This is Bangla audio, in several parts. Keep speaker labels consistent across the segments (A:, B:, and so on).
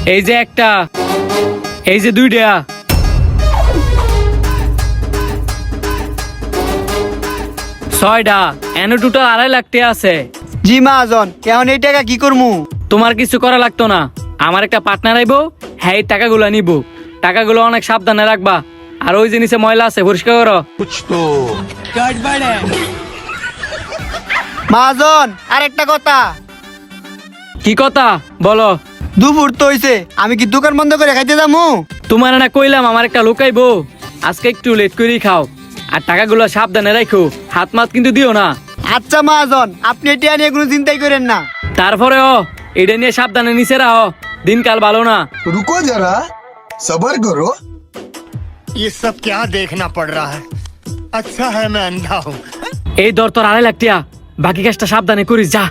A: এই যে একটা, এই যে দুইটা। ছয়টা, এনে টোটাল 2.5 লাখ টাকা আছে।
B: জি মহাজন, এখন এই টাকা কি করমু?
A: তোমার কিছু করা লাগতো না, আমার একটা পার্টনার আইবো, হ্যাঁ এই টাকাগুলো নিবো। টাকাগুলো অনেক সাবধানে রাখবা, আর ওই জিনিসে ময়লা আছে পরিষ্কার করো।
B: মহাজন, আরেকটা কথা।
A: কি কথা বলো?
B: দুপুর তো হইছে, আমি কি দোকান বন্ধ করে খাইতে যামু?
A: তোমার না কইলাম আমার একটা লুকাইবো, আজকে একটু লেট করেই খাও, আর টাকাগুলো সাবধানে রাখো, হাত মাত কিন্তু দিও না।
B: আচ্ছা মহাজন, আপনি এটা নিয়ে কোনো চিন্তাই করেন না।
A: তারপরেও এটা নিয়ে সাবধানে নিচে রাখো, দিনকাল ভালো না।
C: रुको जरा सबर करो।
D: ये सब क्या देखना पड़ रहा है? अच्छा है मैं अंधा हूँ।
A: এই দর তোর 2.5 লাখ টাকা, বাকি কাজটা সাবধানে করিস যা।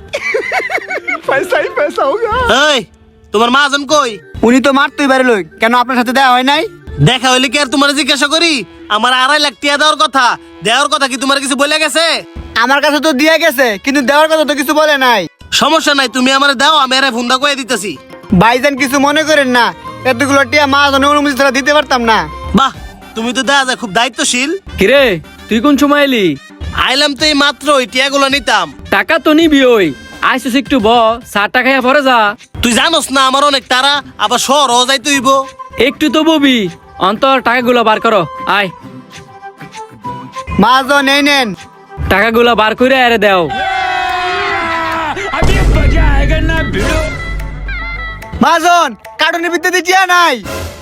E: এই তোমার মহাজন কই?
B: উনি তো মারতেই পারে লই, কেন আপনার সাথে দেখা হয় নাই?
E: দেখা হইলে কি আর তোমার জিজ্ঞাসা করি? আমার 2.5 লাখ টাকা দেওয়ার কথা কি তোমার কিছু বলে গেছে?
B: আমার কাছে তো দিয়ে গেছে, কিন্তু দেওয়ার কথা তো কিছু বলে নাই।
E: সমস্যা নাই, তুমি আমারে দাও, আমি আরে ফোনটা কয়ে দিতেছি।
B: ভাইজান কিছু মনে করেন না, এতগুলো টিয়া মহাজনের অনুমতি ছাড়া দিতে পারতাম না।
E: বাহ, তুমি তো দেখা যায় খুব দায়িত্বশীল।
A: কিরে তুই কোন সময় এলি?
E: আইলাম তো এই মাত্র, ওই টিয়াগুলো নিতাম।
A: টাকা তো নিবি, ওই আইসুস একটু ব, 4 টাকা পরে যা।
E: তুই জানোস না আমার অনেক তারা, আবার শহরও যাইতে হইব।
A: একটু তো ববি, অন্তর টাকাগুলো বার করো, আয়।
B: মহাজন এই নেন।
A: টাকাগুলো বার করে আরে দাও।
B: মহাজন, কার্টুনের ভিতরে টিয়া নাই।